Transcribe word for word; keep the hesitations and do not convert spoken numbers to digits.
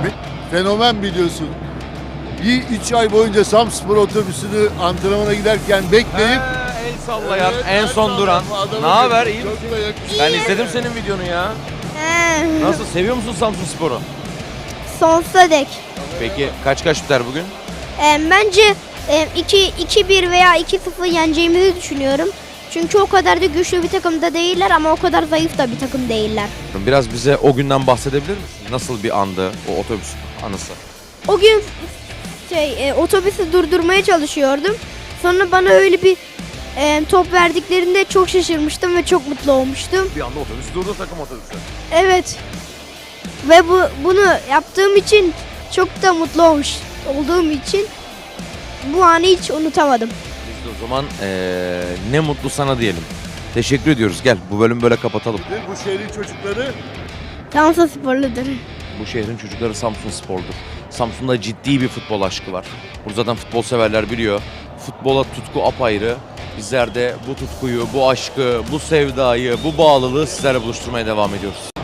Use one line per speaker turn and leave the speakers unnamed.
Fenomen biliyorsun. Bir üç ay boyunca Samspor otobüsünü antrenmana giderken bekleyip
Ha, el sallayan,
Evet,
en
el
son duran.
sallayan adamı
Ne haber? İyi
çok
misin?
da yakışıklı.
Ben izledim senin videonu ya.
He,
Nasıl? Seviyor musun Samsun Spor'u?
sonsuza dek.
Peki kaç kaç biter bugün?
E, bence e, iki iki bir veya iki sıfır yeneceğimizi düşünüyorum. Çünkü o kadar da güçlü bir takım da değiller ama o kadar zayıf da bir takım değiller.
Biraz bize o günden bahsedebilir misin? Nasıl bir andı o otobüs anısı?
O gün şey e, otobüsü durdurmaya çalışıyordum. Sonra bana öyle bir e, top verdiklerinde çok şaşırmıştım ve çok mutlu olmuştum.
Bir anda otobüs durdu, takım otobüsü.
Evet. Ve bu bunu yaptığım için çok da mutlu olmuş olduğum için bu anı hiç unutamadım.
Biz de o zaman eee, ne mutlu sana diyelim. Teşekkür ediyoruz. Gel bu bölümü böyle kapatalım.
Bu şehrin çocukları
Samsun sporludur.
Bu şehrin çocukları Samsun Spor'dur. Samsun'da ciddi bir futbol aşkı var. Burada zaten futbol severler biliyor. Futbola tutku apayrı. Bizler de bu tutkuyu, bu aşkı, bu sevdayı, bu bağlılığı sizlerle buluşturmaya devam ediyoruz.